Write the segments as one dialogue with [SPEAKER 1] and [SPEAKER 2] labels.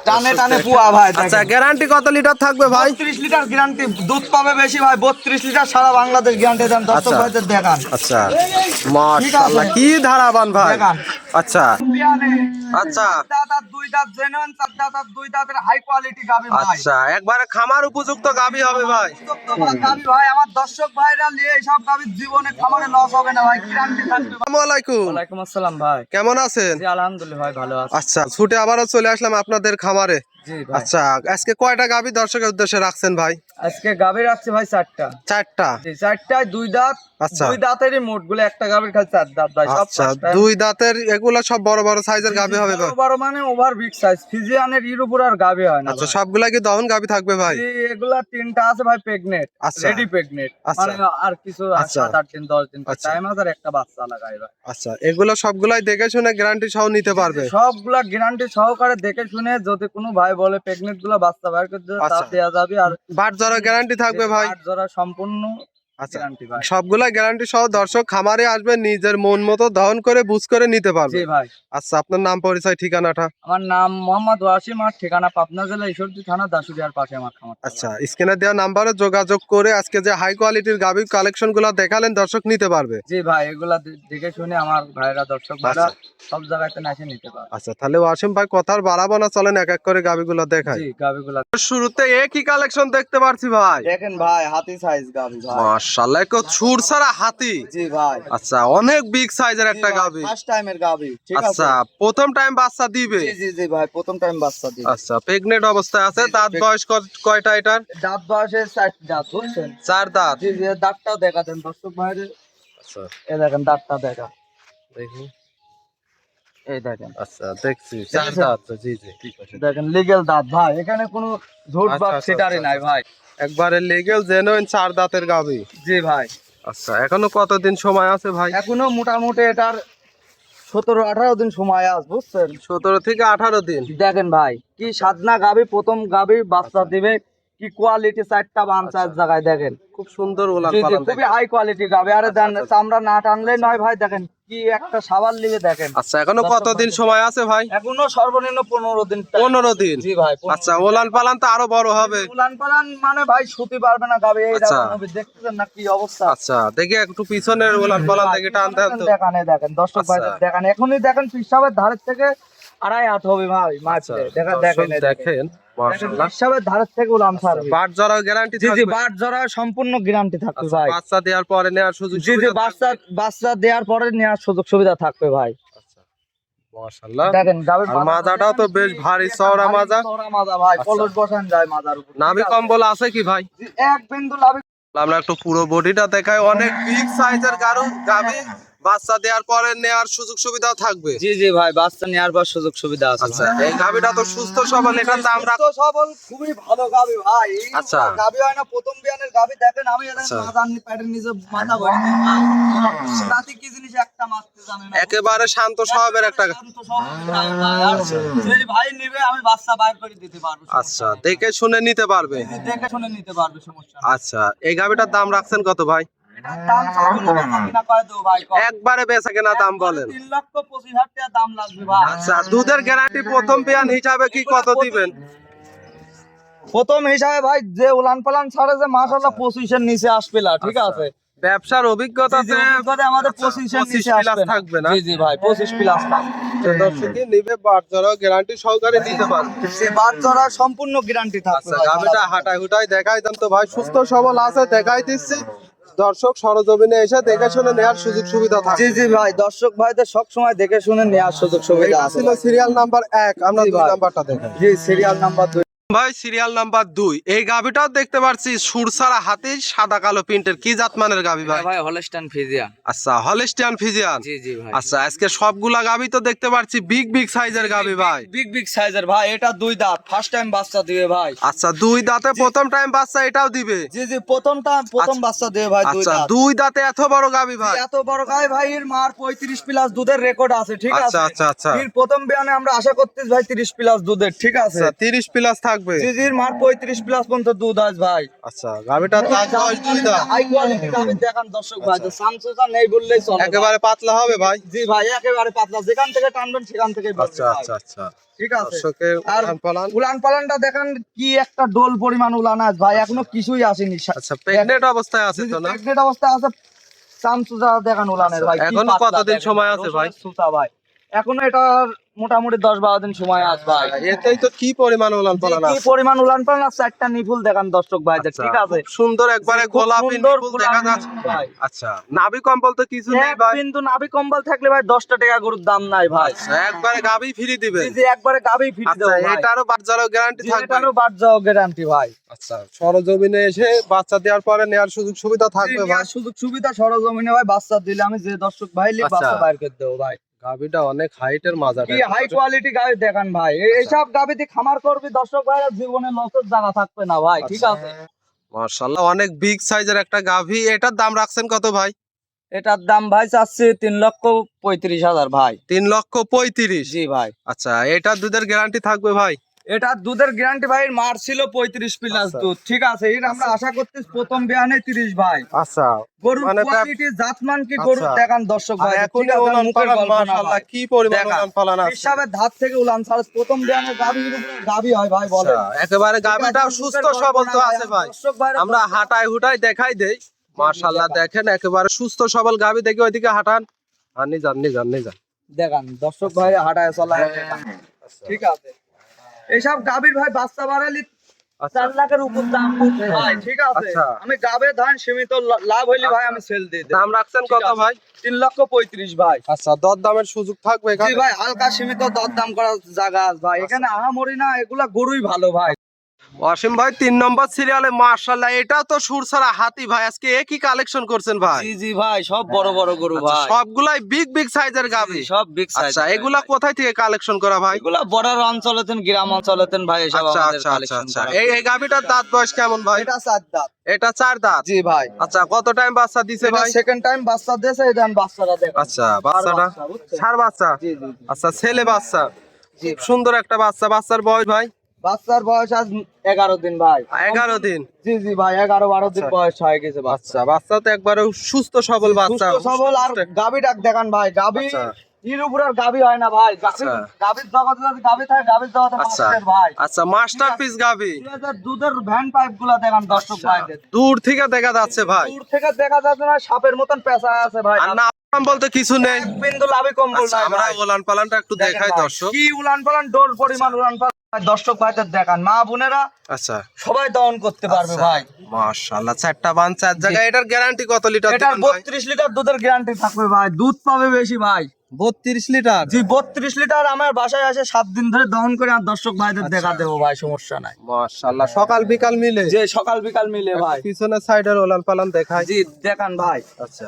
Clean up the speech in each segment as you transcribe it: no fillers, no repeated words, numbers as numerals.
[SPEAKER 1] টানে টানে পুয়া ভাই।
[SPEAKER 2] আচ্ছা গ্যারান্টি কত লিটার থাকবে ভাই?
[SPEAKER 1] 30 লিটার গ্যারান্টি, দুধ পাবে বেশি ভাই, 32 লিটার সারা বাংলাদেশ গ্যারান্টি দেন। দর্শক ভাইদের দেখান।
[SPEAKER 2] আচ্ছা মাশাআল্লাহ কি ধারাবান ভাই।
[SPEAKER 1] দেখান।
[SPEAKER 2] আচ্ছা আচ্ছা
[SPEAKER 1] দাঁত দুই দাঁত জেনুইন, চার দাঁত দুই দাঁতের হাই কোয়ালিটি গাবি ভাই।
[SPEAKER 2] আচ্ছা একবারে খামার উপযুক্ত গাবি হবে ভাই।
[SPEAKER 1] গাবি ভাই, আমার দর্শক ভাইরা নিয়ে এইসব গাবির জীবনে খামারে লস হবে না ভাই, গ্যারান্টি থাকবে।
[SPEAKER 2] আসসালামু আলাইকুম।
[SPEAKER 1] ওয়ালাইকুম আসসালাম ভাই।
[SPEAKER 2] কেমন আছেন?
[SPEAKER 1] জি আলহামদুলিল্লাহ ভাই, ভালো আছি।
[SPEAKER 2] আচ্ছা ছুটে আবারও চলে আসলাম আপনাদের খামারে।
[SPEAKER 1] জি ভাই।
[SPEAKER 2] আচ্ছা আজকে কয়টা গাবি দর্শকের উদ্দেশ্যে রাখছেন ভাই?
[SPEAKER 1] আজকে গাবি রাখছি ভাই 4টা।
[SPEAKER 2] 4টা।
[SPEAKER 1] জি 4টায় দুই দাঁত।
[SPEAKER 2] আচ্ছা।
[SPEAKER 1] দুই দাঁতেরই মোট গুলো, একটা গাবির খালি 4 দাঁত ভাই। সব
[SPEAKER 2] আচ্ছা
[SPEAKER 1] 5টা।
[SPEAKER 2] দুই দাঁতের এগুলা সব বড় বড় সাইজের গাবি হবে ভাই?
[SPEAKER 1] বড় বড় মানে ওভার বিগ সাইজ, ফিজিয়ানের এর উপর আর গাবি হয় না।
[SPEAKER 2] আচ্ছা সবগুলা কি দহন গাবি থাকবে ভাই?
[SPEAKER 1] জি এগুলা 3টা আছে ভাই প্রেগনেন্ট,
[SPEAKER 2] আচ্ছা।
[SPEAKER 1] Ready pregnant.
[SPEAKER 2] আচ্ছা।
[SPEAKER 1] মানে আর কিছু
[SPEAKER 2] আচ্ছা।
[SPEAKER 1] 7-8 দিন 10 দিন
[SPEAKER 2] আচ্ছা।
[SPEAKER 1] টাইম আছে, আর একটা বাচ্চা লাগাই ভাই।
[SPEAKER 2] আচ্ছা এগুলো সবগুলাই দেখে শুনে গ্যারান্টি সহ নিতে পারবে?
[SPEAKER 1] সবগুলা গ্যারান্টি সহকারে দেখে শুনে, যদি কোনো ভাই বলে প্রেগনেন্ট গুলা বাচ্চা বাইর করে দিতে, তা
[SPEAKER 2] আচ্ছা।
[SPEAKER 1] দেয়া যাবে। আর
[SPEAKER 2] বাট জরা গ্যারান্টি থাকবে ভাই?
[SPEAKER 1] আট জোড়া সম্পূর্ণ
[SPEAKER 2] আচ্ছা
[SPEAKER 1] গ্যারান্টি ভাই।
[SPEAKER 2] সবগুলা গ্যারান্টি সহ দর্শক খামারে আসবে, নিজের মন মতো দহন করে বুঝ করে নিতে পারবে।
[SPEAKER 1] জি ভাই।
[SPEAKER 2] আচ্ছা আপনার নাম পরিচয় ঠিকানাটা?
[SPEAKER 1] আমার নাম মোহাম্মদ ওয়াসিম, আর ঠিকানা পাবনা জেলা ঈশ্বরদী থানা দাসুরিয়ার পাশে আমার খামার।
[SPEAKER 2] আচ্ছা স্ক্রিনে দেওয়া নাম্বারে যোগাযোগ করে আজকে যে হাই কোয়ালিটির গাভী কালেকশন গুলা দেখালেন দর্শক নিতে পারবে।
[SPEAKER 1] জি ভাই, এগুলা দেখে শুনে আমার ভাইরা, দর্শক ভাইরা সব জায়গাতে এসে নিতে পারে।
[SPEAKER 2] আচ্ছা তাহলে ওয়াসিম ভাই কথার বাড়াবো না, চলেন এক এক করে গাভীগুলো দেখাই।
[SPEAKER 1] জি গাবিগুলা
[SPEAKER 2] শুরুতে একই কালেকশন দেখতে পারছি ভাই।
[SPEAKER 1] দেখেন ভাই, হাতি সাইজ গাবি ভাই।
[SPEAKER 2] মাশাআল্লাহ কত সুর ছাড়া হাতি।
[SPEAKER 1] জি ভাই।
[SPEAKER 2] আচ্ছা অনেক বিগ সাইজের একটা গাভী।
[SPEAKER 1] ফার্স্ট টাইমের গাবি, ঠিক আছে।
[SPEAKER 2] আচ্ছা প্রথম টাইম বাচ্চা দিবে?
[SPEAKER 1] জি জি জি ভাই, প্রথম টাইম বাচ্চা দিবে।
[SPEAKER 2] আচ্ছা প্রেগনেন্ট অবস্থায় আছে। দাঁত বয়স কয়টা এটার?
[SPEAKER 1] দাঁত বয়সে 4 দাঁত, বুঝছেন?
[SPEAKER 2] 4 দাঁত।
[SPEAKER 1] জি জি, দাঁতটাও দেখা দেন দর্শক ভাইরে।
[SPEAKER 2] আচ্ছা
[SPEAKER 1] এই দেখেন দাঁতটা দেখা,
[SPEAKER 2] দেখি।
[SPEAKER 1] এই দেখেন।
[SPEAKER 2] আচ্ছা দেখছি 4 দাঁত। জি জি ঠিক আছে।
[SPEAKER 1] দেখেন লিগ্যাল দাঁত ভাই, এখানে কোনো ঝুট
[SPEAKER 2] আচ্ছা,
[SPEAKER 1] বা
[SPEAKER 2] আচ্ছা,
[SPEAKER 1] সিটারি
[SPEAKER 2] আচ্ছা,
[SPEAKER 1] নাই ভাই।
[SPEAKER 2] একবারে লিগ্যাল জেনুইন 4 দাঁতের গাভী।
[SPEAKER 1] জি ভাই।
[SPEAKER 2] আচ্ছা এখনো কতদিন সময় আছে ভাই?
[SPEAKER 1] এখনো মোটামুটি এটার 17-18 দিন সময় আছে, বুঝছেন?
[SPEAKER 2] 17 থেকে 18 দিন।
[SPEAKER 1] দেখেন ভাই কি সাধনা গাবি, প্রথম গাবি বাচ্চা দিবে, কি কোয়ালিটি, 4টা বাচ্চা এক জায়গায় দেখেন।
[SPEAKER 2] খুব সুন্দর ওলান
[SPEAKER 1] জি জি,
[SPEAKER 2] পালান।
[SPEAKER 1] খুবই হাই কোয়ালিটি গাবি। আরে দেন চামড়া না টানলে নয় ভাই, দেখেন কি একটা সাবান লিগে দেখেন।
[SPEAKER 2] আচ্ছা এখনো কতদিন সময় আছে ভাই?
[SPEAKER 1] এখনো সর্বনিম্ন 15 দিন।
[SPEAKER 2] 15 দিন।
[SPEAKER 1] জি ভাই।
[SPEAKER 2] আচ্ছা ওলান পালান তো আরো বড় হবে।
[SPEAKER 1] উলান পালান মানে ভাই শুতে পারবে না গাবি, এই
[SPEAKER 2] আচ্ছা।
[SPEAKER 1] দেখেন দেখতেছেন না কি অবস্থা।
[SPEAKER 2] আচ্ছা দেখি একটু পিছনের ওলান পালান দেখি টান দেন তো।
[SPEAKER 1] দেখেন এই দেখেন দর্শক ভাই,
[SPEAKER 2] আচ্ছা।
[SPEAKER 1] দেখেন এখনই দেখেন পিসাবের ধারের থেকে 2.5 হাত হবে ভাই
[SPEAKER 2] আচ্ছা
[SPEAKER 1] মাছ। দেখেন দেখেন এই দেখেন
[SPEAKER 2] দেখেন মাশাআল্লাহ।
[SPEAKER 1] পিসাবের ধারের থেকে উলান ছাড়বে।
[SPEAKER 2] বাট জরা গ্যারান্টি
[SPEAKER 1] জি জি,
[SPEAKER 2] থাকবে?
[SPEAKER 1] বাট জরা সম্পূর্ণ গ্যারান্টি থাকবে
[SPEAKER 2] আচ্ছা,
[SPEAKER 1] ভাই।
[SPEAKER 2] বাচ্চা দেওয়ার পরে নেওয়ার সুযোগ
[SPEAKER 1] জি জি,
[SPEAKER 2] সুবিধা
[SPEAKER 1] বাচ্চা
[SPEAKER 2] থাকবে?
[SPEAKER 1] বাচ্চা দেওয়ার পরে নেওয়ার সুযোগ সুবিধা থাকবে ভাই।
[SPEAKER 2] আচ্ছা মাশাআল্লাহ।
[SPEAKER 1] দেখেন গাবির
[SPEAKER 2] আর মাজাটাও তো বেশ ভারী চওড়া মাজা।
[SPEAKER 1] চওড়া মাজা ভাই,
[SPEAKER 2] আচ্ছা।
[SPEAKER 1] পলট বসান যায় মাজার উপর।
[SPEAKER 2] নাভি কম্বল আছে কি ভাই?
[SPEAKER 1] জি, এক বিন্দু লাভি।
[SPEAKER 2] আমরা একটু পুরো বডিটা দেখাই। অনেক বিগ সাইজের গাভী, বাচ্চা দেওয়ার পরে নেওয়ার সুযোগ সুবিধাও থাকবে।
[SPEAKER 1] জি জি ভাই, বাচ্চা নেওয়ার পর সুযোগ সুবিধা আছে।
[SPEAKER 2] আচ্ছা এই গাভীটা তো সুস্থ সবল, এটার দাম রাখ।
[SPEAKER 1] তো সবল, খুবই ভালো গাবি ভাই। এই
[SPEAKER 2] আচ্ছা।
[SPEAKER 1] গাবি হয় না প্রথম বিয়ানের গাবি, দেখেন আমি এদের
[SPEAKER 2] আচ্ছা।
[SPEAKER 1] মাথা নি প্যাডের নিচে মাথা ভরে রাতে কি জিনিস একটা মারতে জানে না।
[SPEAKER 2] একেবারে শান্ত স্বভাবের একটা।
[SPEAKER 1] শান্ত স্বভাব। সেই ভাই নিবে, আমি বাচ্চা বাইর করে দিতে পারবো।
[SPEAKER 2] আচ্ছা দেখে শুনে নিতে পারবে।
[SPEAKER 1] দেখে শুনে নিতে পারবে, সমস্যা নেই।
[SPEAKER 2] আচ্ছা এই গাভীটার দাম রাখছেন কত ভাই?
[SPEAKER 1] এটার দাম চাইবো না, কিনা করে দেবো ভাই।
[SPEAKER 2] একবারে বেচা কেনা দাম বলেন।
[SPEAKER 1] 3,25,000 টাকা দাম লাগবে ভাই।
[SPEAKER 2] আচ্ছা দুধের গ্যারান্টি প্রথম বিয়ান হিসাবে কি কত দিবেন?
[SPEAKER 1] প্রথম হিসাবে ভাই যে উলান পালান ছাড়ে যে মাশাআল্লাহ 25-এর নিচে আসবে না, ঠিক
[SPEAKER 2] আচ্ছা।
[SPEAKER 1] আছে?
[SPEAKER 2] ব্যবসার অভিজ্ঞতাতে
[SPEAKER 1] আমাদের
[SPEAKER 2] আচ্ছা,
[SPEAKER 1] 25-এর
[SPEAKER 2] 25
[SPEAKER 1] নিচে
[SPEAKER 2] প্লাস
[SPEAKER 1] আসবে না।
[SPEAKER 2] থাকবে না?
[SPEAKER 1] জি জি ভাই, 25 প্লাস থাকবে।
[SPEAKER 2] দর্শকই নিবে বাট জরা গ্যারান্টি সহকারে দিতে পারবে।
[SPEAKER 1] সে বাচ্চারা সম্পূর্ণ গ্যারান্টি থাকবে
[SPEAKER 2] আচ্ছা
[SPEAKER 1] ভাই।
[SPEAKER 2] গাভীটা হাঁটাই হুটাই দেখাই দেন তো ভাই, সুস্থ সবল আছে দেখাই দিচ্ছি। দর্শক সরজমিনে এসে দেখে শুনে নেওয়ার সুযোগ সুবিধা
[SPEAKER 1] জি
[SPEAKER 2] থাকে।
[SPEAKER 1] জি ভাই, দর্শক ভাইদের সব সময় দেখে শুনে নেওয়ার সুযোগ সুবিধা
[SPEAKER 2] এটা
[SPEAKER 1] আছে।
[SPEAKER 2] ছিল সিরিয়াল নাম্বার 1, আমরা
[SPEAKER 1] জি
[SPEAKER 2] 2
[SPEAKER 1] ভাই।
[SPEAKER 2] নাম্বারটা দেখাই।
[SPEAKER 1] জি সিরিয়াল নাম্বার 2
[SPEAKER 2] ভাই সিরিয়াল নাম্বার 2 এই গাভীটাও দেখতে পাচ্ছি সুরসারা হাতি, সাদা কালো প্রিন্টের। কি জাতমানের গাভী ভাই?
[SPEAKER 1] ভাই হলস্টাইন ফ্রিজিয়ান।
[SPEAKER 2] আচ্ছা হলিস্টিয়ান ফ্রিজিয়ান।
[SPEAKER 1] জি জি ভাই।
[SPEAKER 2] আচ্ছা আজকে সবগুলা গাভী তো দেখতে পাচ্ছি বিগ বিগ সাইজের গাভী ভাই।
[SPEAKER 1] বিগ বিগ সাইজের ভাই, এটা 2 দাঁত, ফার্স্ট টাইম বাচ্চা দিবে ভাই।
[SPEAKER 2] আচ্ছা 2 দাঁতে প্রথম টাইম বাচ্চা এটাও দিবে?
[SPEAKER 1] জি জি, প্রথম বাচ্চা দিবে ভাই 2
[SPEAKER 2] আচ্ছা
[SPEAKER 1] দাঁত।
[SPEAKER 2] 2 দাঁতে এত বড় গাভী ভাই?
[SPEAKER 1] এত বড় গাই ভাই, এর মার 35 প্লাস দুধের রেকর্ড আছে, ঠিক আছে?
[SPEAKER 2] আচ্ছা আচ্ছা আচ্ছা।
[SPEAKER 1] এর প্রথম বিয়ানে আমরা আশা করতেছি ভাই 30 প্লাস দুধের, ঠিক আছে?
[SPEAKER 2] আচ্ছা 30 প্লাস থাকবে। থাকবে?
[SPEAKER 1] জিজির মার 35 প্লাস পর্যন্ত দুধ আছে ভাই।
[SPEAKER 2] আচ্ছা গাবিটার দাঁত বয়স দুই দাঁত।
[SPEAKER 1] হাই কোয়ালিটি গাবি দেখান দর্শক ভাই, তো সামসুসা নেই বললেই চলে।
[SPEAKER 2] একেবারে পাতলা হবে ভাই?
[SPEAKER 1] জি ভাই একেবারে পাতলা, যেখান থেকে টানবেন সেখান থেকে
[SPEAKER 2] আচ্ছা আচ্ছা আচ্ছা
[SPEAKER 1] ঠিক আছে।
[SPEAKER 2] দর্শকের
[SPEAKER 1] আর
[SPEAKER 2] উলান পালান।
[SPEAKER 1] উলান পালানটা দেখেন কি একটা ডোল পরিমাণ উলান আছে ভাই, এখনো কিছুই আসেনি।
[SPEAKER 2] আচ্ছা প্রেগনেন্ট অবস্থায় আছে তো না?
[SPEAKER 1] প্রেগনেন্ট অবস্থা আছে। সামসুসা দেখান উলানের ভাই, কি
[SPEAKER 2] এখনো
[SPEAKER 1] পাতলা
[SPEAKER 2] কতদিন
[SPEAKER 1] দেখেন।
[SPEAKER 2] সময় আছে ভাই?
[SPEAKER 1] সুতা ভাই এখনো এটার মোটামুটি 10-12 দিন সময় আছে ভাই।
[SPEAKER 2] এতেই তো কি পরিমাণ উলান পালান
[SPEAKER 1] কি
[SPEAKER 2] আছে।
[SPEAKER 1] পরিমাণ উলান পালান আছে, একটা নিপুল দেখান দর্শক ভাই,
[SPEAKER 2] আচ্ছা,
[SPEAKER 1] ঠিক আছে।
[SPEAKER 2] খুব সুন্দর একবারে
[SPEAKER 1] খুব
[SPEAKER 2] গোলাপি
[SPEAKER 1] সুন্দর
[SPEAKER 2] নিপুল
[SPEAKER 1] গোলাপি
[SPEAKER 2] দেখা যাচ্ছে
[SPEAKER 1] ভাই।
[SPEAKER 2] আচ্ছা নাভি কম্বল তো কিছু নেই ভাই?
[SPEAKER 1] কিন্তু নাভি কম্বল থাকলে ভাই 10টা টাকা গরুর দাম নাই ভাই।
[SPEAKER 2] আচ্ছা, একবারে গাবি ফ্রি দিবেন?
[SPEAKER 1] জি একবারে গাবি ফিট
[SPEAKER 2] আচ্ছা
[SPEAKER 1] দেবো ভাই।
[SPEAKER 2] এটারও বাচ্চারও গ্যারান্টি থাকবে?
[SPEAKER 1] এটারও বাদ যাও গ্যারান্টি ভাই।
[SPEAKER 2] আচ্ছা সরজমিনে এসে বাচ্চা দেওয়ার পরে নেওয়ার সুযোগ সুবিধা থাকবে ভাই?
[SPEAKER 1] সুযোগ সুবিধা সরজমিনে ভাই, বাচ্চা দিলে আমি যে দর্শক ভাই লিখ
[SPEAKER 2] আচ্ছা।
[SPEAKER 1] বাচ্চা বাইর করে দেবো ভাই।
[SPEAKER 2] গাবিটা অনেক হাইটের মাজাটা।
[SPEAKER 1] কি হাই কোয়ালিটি গাবি দেখান ভাই, এইসব গাবি দিয়ে খামার করবি দর্শক ভাই, জীবনে লসের জায়গা থাকবে না ভাই, ঠিক আছে।
[SPEAKER 2] মাশাআল্লাহ অনেক বিগ সাইজের একটা গাভি। এটার দাম রাখছেন কত ভাই?
[SPEAKER 1] এটার দাম ভাই চাচ্ছি 3,35,000 ভাই।
[SPEAKER 2] 3,35,000?
[SPEAKER 1] জি ভাই।
[SPEAKER 2] আচ্ছা এটার দুধের গ্যারান্টি থাকবে ভাই?
[SPEAKER 1] এটা দুধের গ্যারান্টি ভাই, মার ছিল 35 প্লাস
[SPEAKER 2] আচ্ছা।
[SPEAKER 1] দুধ, ঠিক আছে। এটা আমরা আশা করতেছি প্রথম বিয়ানে 30 ভাই।
[SPEAKER 2] আচ্ছা
[SPEAKER 1] গরুর
[SPEAKER 2] মানে
[SPEAKER 1] কোয়ালিটি জাতমান কি গরুর
[SPEAKER 2] আচ্ছা।
[SPEAKER 1] দেখান দর্শক ভাই,
[SPEAKER 2] এখন
[SPEAKER 1] ঠিক আছে,
[SPEAKER 2] উলান
[SPEAKER 1] মুখের
[SPEAKER 2] পালান
[SPEAKER 1] গল্প না
[SPEAKER 2] মাশাআল্লাহ
[SPEAKER 1] ভাই।
[SPEAKER 2] কি পরিমাণ
[SPEAKER 1] দেখান।
[SPEAKER 2] উলান পালান আছে।
[SPEAKER 1] হিসাবে ধাত থেকে উলান ছাড়া প্রথম বিয়ানে গাভী হয় ভাই, বলে
[SPEAKER 2] আচ্ছা, একেবারে গাবিটা সুস্থ সবল তো আছে ভাই।
[SPEAKER 1] দর্শক ভাই
[SPEAKER 2] আমরা হাঁটাই হুটাই দেখাই দেই। মাশাআল্লাহ দেখেন একেবারে সুস্থ সবল গাবি, দেখি ওইদিকে হাঁটান। আর নিজান নিজান নিজান
[SPEAKER 1] দেখান দর্শক ভাই, হাঁটায় চলায় দেখান। ঠিক আছে, এইসব গাভীর ভাই বাচ্চা বাড়ালি 4 লাখের উপর দাম পড়বে ভাই, ঠিক আছে।
[SPEAKER 2] আচ্ছা।
[SPEAKER 1] আমি গাবে ধান সীমিত লাভ হইলে ভাই আমি সেল দিয়ে দেব।
[SPEAKER 2] দাম রাখছেন কত ভাই?
[SPEAKER 1] 3,35,000 ভাই।
[SPEAKER 2] আচ্ছা দর দামের সুযোগ থাকবে
[SPEAKER 1] জি
[SPEAKER 2] এখানে?
[SPEAKER 1] ভাই হালকা সীমিত দরদাম করার জায়গা আছে ভাই, এখানে আহামরি না, এগুলা গরুই ভালো ভাই।
[SPEAKER 2] ওয়াসিম ভাই 3 নম্বর সিরিয়ালে মাশাআল্লাহ এটাও তো সুরসারা হাতি ভাই, আজকে একই কালেকশন করছেন ভাই?
[SPEAKER 1] জি জি ভাই, সব বড় বড় গরু
[SPEAKER 2] আচ্ছা,
[SPEAKER 1] ভাই,
[SPEAKER 2] সবগুলাই বিগ বিগ সাইজের গাবি?
[SPEAKER 1] সব বিগ সাইজ।
[SPEAKER 2] আচ্ছা এগুলা কোথায় থেকে কালেকশন করা ভাই?
[SPEAKER 1] এগুলা বর্ডার অঞ্চলেতেন, গ্রাম অঞ্চলেতেন ভাই, এসব
[SPEAKER 2] আচ্ছা
[SPEAKER 1] আমাদের
[SPEAKER 2] আচ্ছা আচ্ছা
[SPEAKER 1] কালেকশন
[SPEAKER 2] আচ্ছা
[SPEAKER 1] করা।
[SPEAKER 2] এই গাবিটার দাঁত বয়স কেমন ভাই?
[SPEAKER 1] এটা 4 দাঁত।
[SPEAKER 2] এটা 4 দাঁত?
[SPEAKER 1] জি ভাই।
[SPEAKER 2] আচ্ছা কত টাইম বাচ্চা দিছে
[SPEAKER 1] এটা
[SPEAKER 2] ভাই?
[SPEAKER 1] সেকেন্ড টাইম বাচ্চা দিয়েছে, এটা বাচ্চাটা দেখো।
[SPEAKER 2] আচ্ছা বাচ্চাটা ষাঁড় বাচ্চা?
[SPEAKER 1] জি জি জি।
[SPEAKER 2] আচ্ছা ছেলে বাচ্চা,
[SPEAKER 1] জি
[SPEAKER 2] খুব সুন্দর একটা বাচ্চা। বাচ্চার বয়স ভাই?
[SPEAKER 1] বাচ্চার বয়স আজ 11 দিন ভাই।
[SPEAKER 2] 11 দিন?
[SPEAKER 1] জি জি ভাই, 11-12 দিন
[SPEAKER 2] আচ্ছা।
[SPEAKER 1] বয়স হয়ে গেছে বাচ্চা।
[SPEAKER 2] আচ্ছা বাচ্চা তো একবারে সুস্থ সবল বাচ্চা।
[SPEAKER 1] সুস্থ সবল। আর গাবি ডাক দেখান ভাই, গাবি
[SPEAKER 2] আচ্ছা।
[SPEAKER 1] এর উপর আর গাবি হয় না ভাই। গাবি
[SPEAKER 2] আচ্ছা।
[SPEAKER 1] গাবির জগতে যদি গাবি থাকে, গাবির জগতে
[SPEAKER 2] আচ্ছা
[SPEAKER 1] মাস্টার ভাই।
[SPEAKER 2] আচ্ছা মাস্টারপিস গাবি।
[SPEAKER 1] দুধের ভ্যান পাইপ গুলা দেখান দর্শক ভাইদের।
[SPEAKER 2] দূর থেকে দেখা যাচ্ছে ভাই?
[SPEAKER 1] দূর থেকে দেখা যাচ্ছে না, সাপের মতন পেঁচা আছে ভাই।
[SPEAKER 2] আর না বলতে কিছু নেই?
[SPEAKER 1] এক বিন্দু লাভে কম্বল
[SPEAKER 2] আচ্ছা,
[SPEAKER 1] নাই
[SPEAKER 2] আমরা
[SPEAKER 1] ভাই।
[SPEAKER 2] উলান পালানটা একটু
[SPEAKER 1] দেখেন
[SPEAKER 2] দেখাই
[SPEAKER 1] ভাই,
[SPEAKER 2] দর্শক।
[SPEAKER 1] কি উলান পালান, ডোর পরিমাণ উলান পালান ভাই, দর্শক ভাইদের দেখান। মা বোনেরা
[SPEAKER 2] আচ্ছা
[SPEAKER 1] সবাই দহন করতে পারবে
[SPEAKER 2] আচ্ছা,
[SPEAKER 1] ভাই।
[SPEAKER 2] মাশাআল্লাহ 4টা বান 4 জায়গায়। এটার গ্যারান্টি কত লিটার
[SPEAKER 1] এটার
[SPEAKER 2] দিবেন ভাই?
[SPEAKER 1] 32 লিটার দুধের গ্যারান্টি থাকবে ভাই, দুধ পাবে বেশি ভাই।
[SPEAKER 2] 32 লিটার?
[SPEAKER 1] জি 32 লিটার আমার বাসায় আসে 7 দিন ধরে দহন করে আর দর্শক ভাইদের দেখা দেবো ভাই, সমস্যা নাই।
[SPEAKER 2] মাশাআল্লাহ সকাল বিকাল মিলে?
[SPEAKER 1] যে সকাল বিকাল মিলে ভাই।
[SPEAKER 2] পিছনের সাইডের উলান পালান দেখাই।
[SPEAKER 1] জি দেখান ভাই,
[SPEAKER 2] আচ্ছা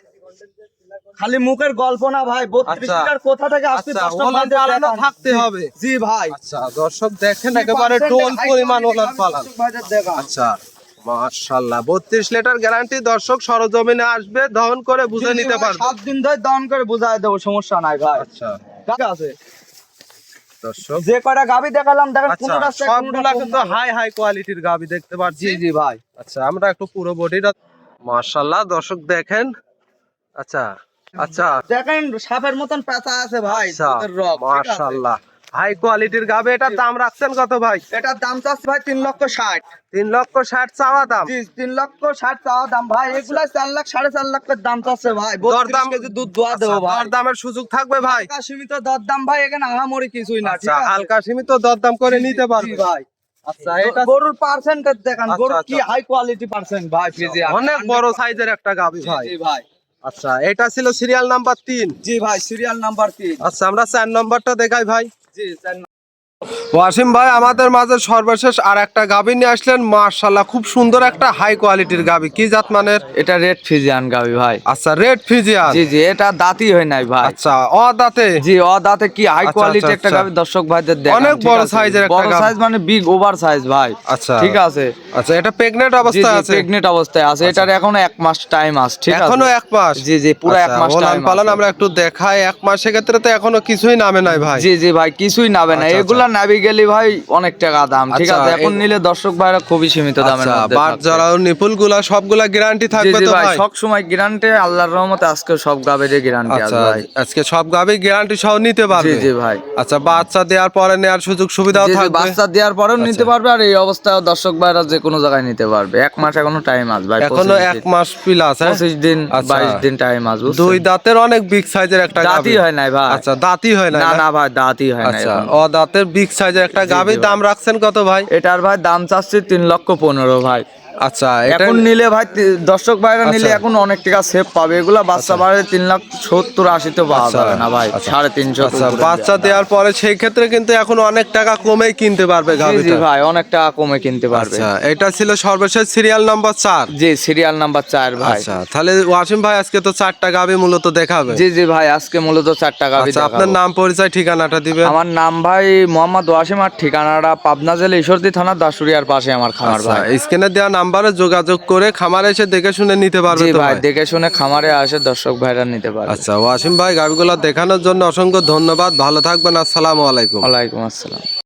[SPEAKER 1] খালি মুখের গল্প না ভাই, 32
[SPEAKER 2] আচ্ছা।
[SPEAKER 1] লিটার কোথা থেকে আসছে
[SPEAKER 2] আচ্ছা,
[SPEAKER 1] দর্শক
[SPEAKER 2] উলান
[SPEAKER 1] ভাইদের
[SPEAKER 2] পালানও
[SPEAKER 1] দেখান।
[SPEAKER 2] থাকতে হবে?
[SPEAKER 1] জি ভাই।
[SPEAKER 2] আচ্ছা দর্শক দেখেন একেবারে টোল পরিমাণ উলান পালান।
[SPEAKER 1] দর্শক ভাইদের দেখান।
[SPEAKER 2] আচ্ছা মাশাআল্লাহ 32 লিটার গ্যারান্টি। দর্শক সরজমিনে আসবে, দহন করে বুঝে নিতে পারবে।
[SPEAKER 1] 7 দিন ধরে দহন করে বুঝাই দেবো, সমস্যা নাই ভাই।
[SPEAKER 2] আচ্ছা
[SPEAKER 1] ঠিক আছে,
[SPEAKER 2] দর্শক
[SPEAKER 1] যে কয়টা গাবি দেখালাম দেখেন,
[SPEAKER 2] আচ্ছা
[SPEAKER 1] কোনটা
[SPEAKER 2] সবগুলা কিন্তু হাই হাই কোয়ালিটির গাবি দেখতে পাচ্ছি।
[SPEAKER 1] জি জি ভাই।
[SPEAKER 2] আচ্ছা আমরা একটু পুরো বডিটা মাশাআল্লাহ দর্শক দেখেন। আচ্ছা আচ্ছা
[SPEAKER 1] দেখেন সাপের মতন পেঁচা আছে ভাই,
[SPEAKER 2] আচ্ছা
[SPEAKER 1] দুধের রগ, ঠিক আছে?
[SPEAKER 2] মাশাআল্লাহ হাই কোয়ালিটির গাবি। এটার দাম রাখছেন কত ভাই?
[SPEAKER 1] এটার দাম চাচ্ছে ভাই 3,60,000।
[SPEAKER 2] 3,60,000 চাওয়া দাম?
[SPEAKER 1] জি 3,60,000 চাওয়া দাম ভাই। এগুলা 4 লাখ 4.5 লাখ করে দাম চাচ্ছে ভাই। 32 কেজি দুধ দোয়া দেবো ভাই।
[SPEAKER 2] দর দামের সুযোগ থাকবে ভাই?
[SPEAKER 1] হালকা সীমিত দরদাম ভাই, এখানে আহামরি কিছুই না, ঠিক
[SPEAKER 2] আচ্ছা
[SPEAKER 1] আছে?
[SPEAKER 2] হালকা সীমিত দরদাম করে নিতে
[SPEAKER 1] জি
[SPEAKER 2] পারবে
[SPEAKER 1] ভাই।
[SPEAKER 2] আচ্ছা এটা
[SPEAKER 1] গরুর পার্সেন্টেজ দেখান,
[SPEAKER 2] আচ্ছা,
[SPEAKER 1] গরু কি
[SPEAKER 2] আচ্ছা।
[SPEAKER 1] হাই কোয়ালিটি পার্সেন্ট ভাই, ফিজিয়ান
[SPEAKER 2] অনেক বড় সাইজের একটা গাবি ভাই।
[SPEAKER 1] জি ভাই।
[SPEAKER 2] আচ্ছা এটা ছিল সিরিয়াল নাম্বার 3।
[SPEAKER 1] জি ভাই, সিরিয়াল নাম্বার 3।
[SPEAKER 2] আচ্ছা আমরা 4 নম্বরটা দেখাই ভাই।
[SPEAKER 1] জি স্যার।
[SPEAKER 2] ওয়াসিম ভাই আমাদের মাঝে সর্বশেষ আর একটা গাবি নিয়ে আসলেন। মাশাআল্লাহ খুব সুন্দর একটা হাই কোয়ালিটির গাবি। কি জাত মানের?
[SPEAKER 1] এটা রেড ফিজিয়ান গাবি ভাই।
[SPEAKER 2] আচ্ছা রেড ফিজিয়ান?
[SPEAKER 1] জি জি, এটা দাঁতই হয় নাই ভাই।
[SPEAKER 2] আচ্ছা ও দাঁতে?
[SPEAKER 1] জি ও দাঁতে, কি হাই
[SPEAKER 2] আচ্ছা,
[SPEAKER 1] কোয়ালিটি
[SPEAKER 2] আচ্ছা,
[SPEAKER 1] একটা
[SPEAKER 2] আচ্ছা।
[SPEAKER 1] গাবি, দর্শক ভাইদের দেখান।
[SPEAKER 2] অনেক
[SPEAKER 1] ঠিক
[SPEAKER 2] বড়
[SPEAKER 1] আছে?
[SPEAKER 2] সাইজের একটা
[SPEAKER 1] বড়
[SPEAKER 2] গাভী।
[SPEAKER 1] সাইজ মানে বিগ ওভার সাইজ ভাই।
[SPEAKER 2] আচ্ছা
[SPEAKER 1] ঠিক আছে।
[SPEAKER 2] আচ্ছা এটা প্রেগন্যান্ট
[SPEAKER 1] জি
[SPEAKER 2] অবস্থায়
[SPEAKER 1] জি
[SPEAKER 2] আছে?
[SPEAKER 1] প্রেগনেন্ট অবস্থায় আছে। এটার এখনো 1 মাস টাইম আছে, ঠিক আছে?
[SPEAKER 2] এখনো 1 মাস?
[SPEAKER 1] জি জি পুরো 1 মাস
[SPEAKER 2] উলান
[SPEAKER 1] টাইম
[SPEAKER 2] পালান
[SPEAKER 1] আছে।
[SPEAKER 2] আমরা একটু দেখাই। 1 মাসের ক্ষেত্রে তো এখনো কিছুই নামে নাই ভাই।
[SPEAKER 1] জি জি ভাই, কিছুই নাবে না।
[SPEAKER 2] আচ্ছা,
[SPEAKER 1] এগুলা নাবিগেলি ভাই অনেক টাকা দাম, ঠিক
[SPEAKER 2] আচ্ছা,
[SPEAKER 1] আছে। এখন নিলে দর্শক ভাইরা খুবই সীমিত দামের
[SPEAKER 2] আচ্ছা,
[SPEAKER 1] মধ্যে
[SPEAKER 2] বাট
[SPEAKER 1] থাকবে।
[SPEAKER 2] যারা নিপুল গুলা সবগুলা গ্যারান্টি
[SPEAKER 1] জি
[SPEAKER 2] থাকবে
[SPEAKER 1] জি
[SPEAKER 2] তো
[SPEAKER 1] ভাই,
[SPEAKER 2] ভাই?
[SPEAKER 1] সব সময় গ্যারান্টি, আল্লাহর রহমতে আজকে সব গাবের গ্যারান্টি আছে
[SPEAKER 2] আচ্ছা,
[SPEAKER 1] ভাই।
[SPEAKER 2] আজকে সব গাবি গ্যারান্টি সহ নিতে পারবে?
[SPEAKER 1] জি জি ভাই।
[SPEAKER 2] আচ্ছা, বাচ্চা দেওয়ার পরে নেওয়ার সুযোগ সুবিধাও
[SPEAKER 1] জি জি,
[SPEAKER 2] থাকবে?
[SPEAKER 1] বাচ্চা দেওয়ার পরেও নিতে পারবে, আর এই অবস্থায় দর্শক ভাইরা যে কোনো জায়গায় নিতে পারবে। 1 মাস এখনো টাইম আছে ভাই,
[SPEAKER 2] এখনো 1 মাস প্লাস, হ্যাঁ?
[SPEAKER 1] 25 দিন
[SPEAKER 2] আচ্ছা।
[SPEAKER 1] 22 দিন টাইম আছে, বুঝছেন?
[SPEAKER 2] দুই দাঁতের অনেক বিগ সাইজের একটা গাবি।
[SPEAKER 1] দাঁতই হয় নাই ভাই।
[SPEAKER 2] আচ্ছা, দাঁতই হয় না?
[SPEAKER 1] না না ভাই, দাঁতই হয় না
[SPEAKER 2] আচ্ছা,
[SPEAKER 1] এখনো।
[SPEAKER 2] ও দাঁতের বিগ সাইজের একটা গাবি, দাম রাখছেন কত ভাই?
[SPEAKER 1] এটার ভাই দাম চাচ্ছি 3,15,000 ভাই।
[SPEAKER 2] আচ্ছা, এটা
[SPEAKER 1] এখন নিলে ভাই দর্শক ভাইরা নিলে
[SPEAKER 2] আচ্ছা।
[SPEAKER 1] এখন অনেক টাকা সেভ পাবে। এগুলা বাচ্চা বাড়ে 3,70,000-80 তো পাওয়া
[SPEAKER 2] আচ্ছা,
[SPEAKER 1] যাবে না ভাই,
[SPEAKER 2] আচ্ছা।
[SPEAKER 1] 350
[SPEAKER 2] আচ্ছা, বাচ্চা দেওয়ার পরে সেই ক্ষেত্রে কিন্তু এখন অনেক টাকা কমেই কিনতে পারবে
[SPEAKER 1] জি জি
[SPEAKER 2] গাবিটা।
[SPEAKER 1] ভাই, অনেক টাকা কমে কিনতে পারবে।
[SPEAKER 2] আচ্ছা, এটা ছিল সর্বশেষ সিরিয়াল নাম্বার 4।
[SPEAKER 1] জি, সিরিয়াল নাম্বার 4 ভাই।
[SPEAKER 2] আচ্ছা, তাহলে ওয়াসিম ভাই আজকে তো 4টা গাবি মূলত দেখাবে।
[SPEAKER 1] জি জি ভাই, আজকে মূলত 4 টাকা।
[SPEAKER 2] আচ্ছা, আপনার নাম পরিচয় ঠিকানাটা দিবেন।
[SPEAKER 1] আমার নাম ভাই মোহাম্মদ ওয়াসিম, আর ঠিকানাটা পাবনা জেলা ঈশ্বরদী থানা দাসুরিয়ার পাশে আমার খামার
[SPEAKER 2] আচ্ছা,
[SPEAKER 1] ভাই।
[SPEAKER 2] স্ক্রিনে দেওয়া নাম্বারে যোগাযোগ করে খামারে এসে দেখে শুনে নিতে পারবে
[SPEAKER 1] জি
[SPEAKER 2] তো
[SPEAKER 1] ভাই,
[SPEAKER 2] ভাই?
[SPEAKER 1] দেখে শুনে খামারে আসে দর্শক ভাইরা নিতে পারবে।
[SPEAKER 2] আচ্ছা, ওয়াসিম ভাই গাবিগুলো দেখানোর জন্য অসংখ্য ধন্যবাদ। ভালো থাকবেন, আসসালামু আলাইকুম।
[SPEAKER 1] ওয়ালাইকুম আসসালাম।